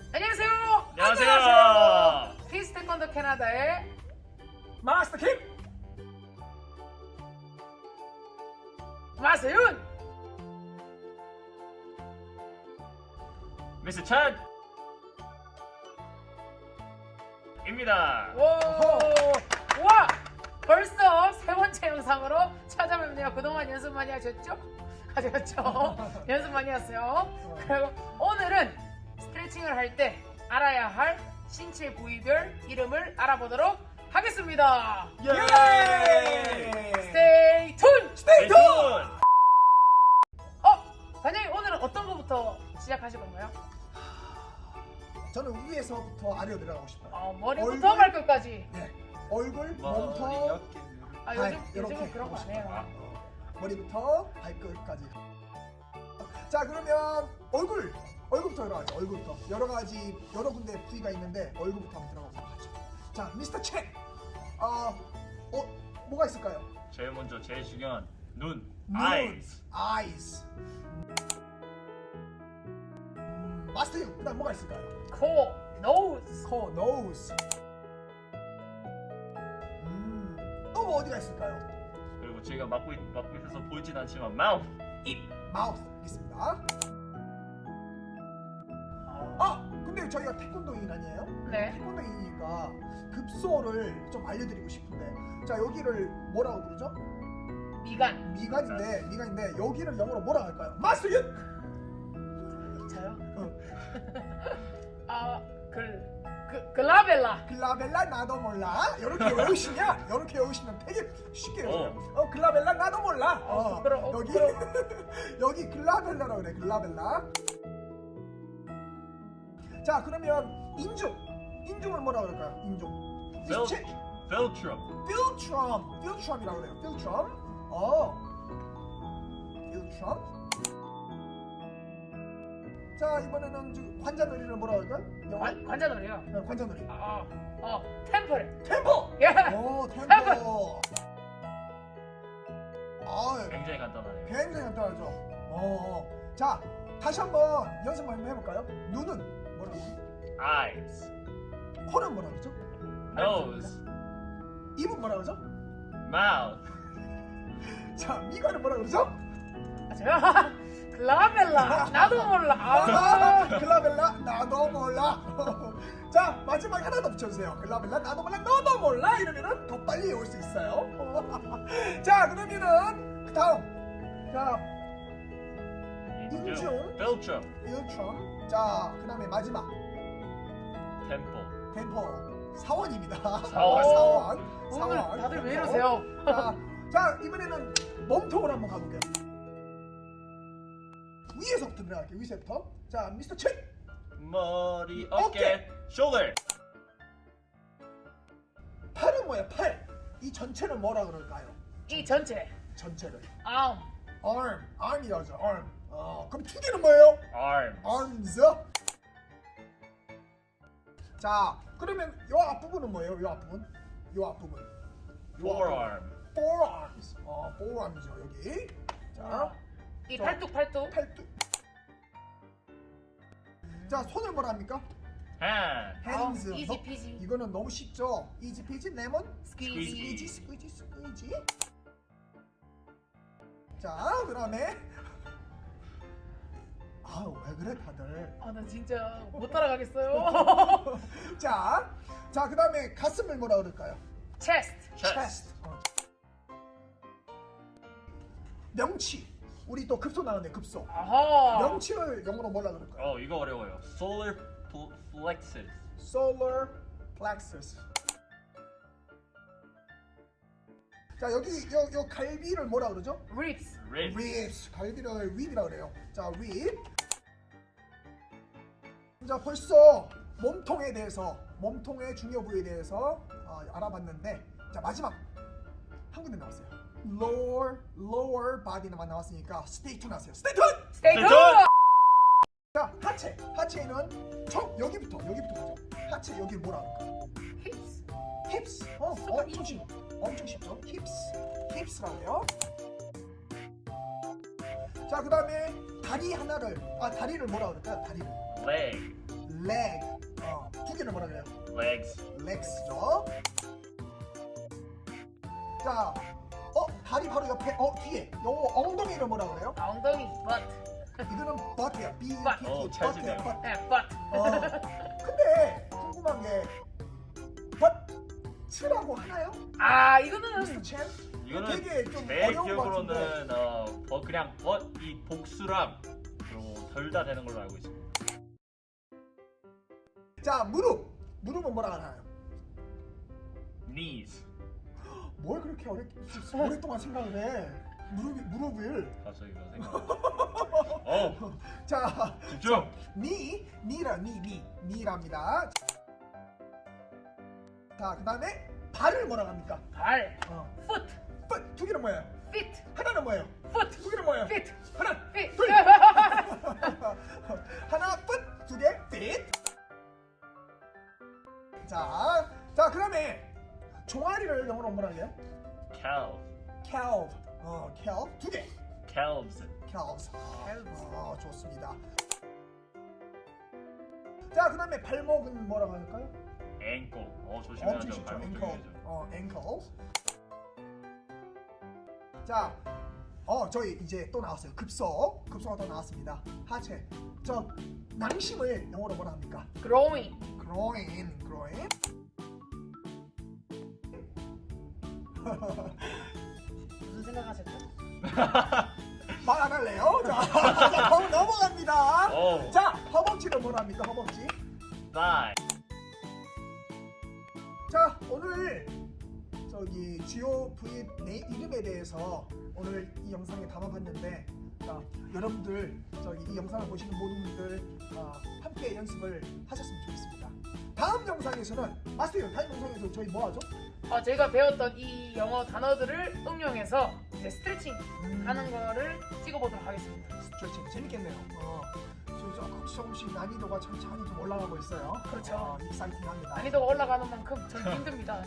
안녕하세요. 안녕하세요. 피스 태권도 캐나다의 마스터 킴! 마세윤. 미스 찬 입니다. 와, 벌써 세 번째 영상으로 찾아뵙네요. 그동안 연습 많이 하셨죠? 하셨죠? 연습 많이 했어요. 그리고 오늘은 스트레칭을 할 때 알아야 할 신체 부위별 이름을 알아보도록 하겠습니다. 예! 스테이 툰! 스테이 tuned! 관장님 오늘은 어떤 거부터 시작하실 건가요? 저는 위에서부터 아래로 내려가고 싶어요. 머리부터 얼굴? 발끝까지. 네. 얼굴, 몸통, 요즘은 그런 거 안 해요. 머리부터 발끝까지. 자, 그러면 얼굴부터 들어가죠. 얼굴부터. 여러 군데 부위가 있는데 얼굴부터 한번 들어가보도록 하죠. 자, 미스터 첸. 뭐가 있을까요? 제일 먼저 제일 중요한 눈, 눈, eyes. eyes. 마스터 유, 그다음 뭐가 있을까요? 코, nose. 코, nose. 또 뭐 어디가 있을까요? 그리고 제가 맡고 있어서 보이진 않지만 mouth, 입. 마우스 있습니다. 근데 저희가 태권도인 아니에요? 네. 태권도인이니까 급소를 좀 알려드리고 싶은데, 자, 여기를 뭐라고 부르죠? 미간. 미간인데 여기를 영어로 뭐라고 할까요? 마스터 유! 저요? 글라벨라. 글라벨라 나도 몰라. 이렇게 외우시면 되게 쉽게 외워요. 글라벨라 나도 몰라. 여기 여기 글라벨라라고 그래. 글라벨라. 자, 그러면 인중을 뭐라고 그럴까요? 인중. Philtrum. 필트럼이라고 그래요. 필트럼. 필트럼. 자, 이번에는 관자놀이를 뭐라고 할까요? 관자놀이요. 네, 관자놀이. 템플. 템포. 예. 템포. 굉장히 간단하네요. 굉장히 간단하죠. 자, 다시 한번 연습 한번 해볼까요? 눈은 뭐라고 그러죠? eyes, 코는 뭐라고 그러죠? nose, 입은 뭐라고 그러죠? mouth. 자, 미간은 뭐라고 그러죠? 저요? 글라벨라. 나도 몰라. 글라벨라 나도 몰라. 자, 마지막 하나 더 붙여주세요. 글라벨라 나도 몰라 너도 몰라 이러면은 더 빨리 외울 수 있어요. 자, 그러면은 그 다음. 자, 인중. Philtrum. 필트럼. 자, 그 다음에 마지막 temple. 템포. 사원입니다. 사원. 오늘 다들 왜 이러세요? 자, 이번에는 몸통을 한번 가볼게요. 위에서부터 들어갈게요. 위에서부터. 자, 미스터 첸. 머리, 어깨, shoulder. 팔은 뭐야? 팔. 이 전체는 뭐라 그럴까요? 이 전체. 전체를. arm. arm이라고 하죠. arm. 그럼 두 개는 뭐예요? arms. arms. 자, 그러면 요 앞부분은 뭐예요? 요 앞부분. forearm. forearms. forearm이죠, 여기. 자, 이 저- 팔뚝. 팔뚝. 자, 손을 뭐라 합니까? hand. hands. 이지 피지. 이거는 너무 쉽죠? 이지 피지 레몬 스퀴지. 스퀴지. 자, 그다음에 왜 그래 다들? 나 진짜 못 따라가겠어요. 자, 그다음에 가슴을 뭐라 그럴까요? chest. chest. 명치. 우리 또 급소 나왔네, 급소. 아하. 명치를 영어로 뭐라 그럴까요? 이거 어려워요. solar plexus. solar plexus. 자, 여기 요 갈비를 뭐라 그러죠? ribs. ribs. 갈비를 립이라 그래요. 자, 립. 자, 벌써 몸통의 중요 부위에 대해서 알아봤는데, 자, 마지막 한 군데 나왔어요. lower body만 나왔으니까 stay tuned 하세요. stay tuned. stay tuned. tuned. 자, 하체는 여기부터 가죠. 하체 여기 뭐라 그럴까? hips. hips. 엄청 쉽죠. hips라고 해요. 자, 그다음에 다리를 뭐라 그럴까요? 다리를 leg. leg. 두 개는 뭐라 그래요? legs. legs죠. 자, 다리 바로 옆에, 뒤에. 요 엉덩이를 뭐라 그래요? 아, 엉덩이 butt. 이거는 butt야. B U T 어, T. 잘 butt야. 쓰네요. butt. 네, butt. 근데 궁금한 게 butt라고 하나요? 아, 이거는 미스터 첸? 이거는 되게 좀 제 어려운 것 같은데. 기억으로는 그냥 이 복수랑 그리고 덜 다 되는 걸로 알고 있습니다. 자, 무릎은 뭐라 하나요? knees. 뭘 그렇게 오랫동안 생각을 해? 무릎을. 갑자기 그런 생각. 자, 집중. 니랍니다. 자, 그다음에 발을 뭐라 합니까? 발. foot. 두 개는 뭐예요? feet. 하나는 뭐예요? foot. 두 개는 뭐예요? feet. 하나, feet. 둘. 하나, foot, 두 개, feet. 자, 그다음에 종아리를 영어로 뭐라 해요? calf. calf. calf 두 개. calves. calves. 좋습니다. 자, 그다음에 발목은 뭐라고 할까요? ankle. 조심해야죠. 엄청 쉽죠. 발목 ankle. 조심해야죠. ankle. 자, 저희 이제 또 나왔어요. 급소가 또 나왔습니다. 하체. 저 낭심을 영어로 뭐라 합니까? growing. groin. 무슨 생각하셨죠? 말 안 할래요? 자, 다음 넘어갑니다. 오. 자, 허벅지는 뭐라 합니까? 허벅지. thigh. 자, 오늘 저기 주요 부위 이름에 대해서 오늘 이 영상에 담아봤는데, 자, 여러분들 저기 이 영상을 보시는 모든 분들 함께 연습을 하셨으면 좋겠습니다. 다음 영상에서는 마스터 다음 영상에서 저희 뭐 하죠? 저희가 배웠던 이 영어 단어들을 응용해서 이제 스트레칭 하는 거를 찍어보도록 하겠습니다. 스트레칭 재밌겠네요. 조금씩 난이도가 천천히 좀 올라가고 있어요. 그렇죠. 익사이팅합니다. 난이도가 올라가는 만큼 전 힘듭니다.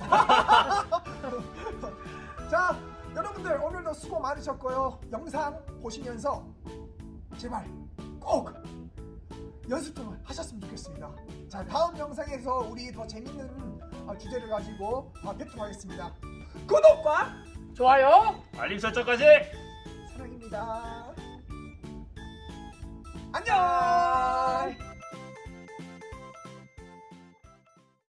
자, 여러분들 오늘도 수고 많으셨고요. 영상 보시면서 제발 꼭 연습 좀 하셨으면 좋겠습니다. 자, 다음 영상에서 우리 더 재밌는 주제를 가지고 뵙도록 하겠습니다. 구독과 좋아요. 알림 설정까지. 사랑입니다. 안녕.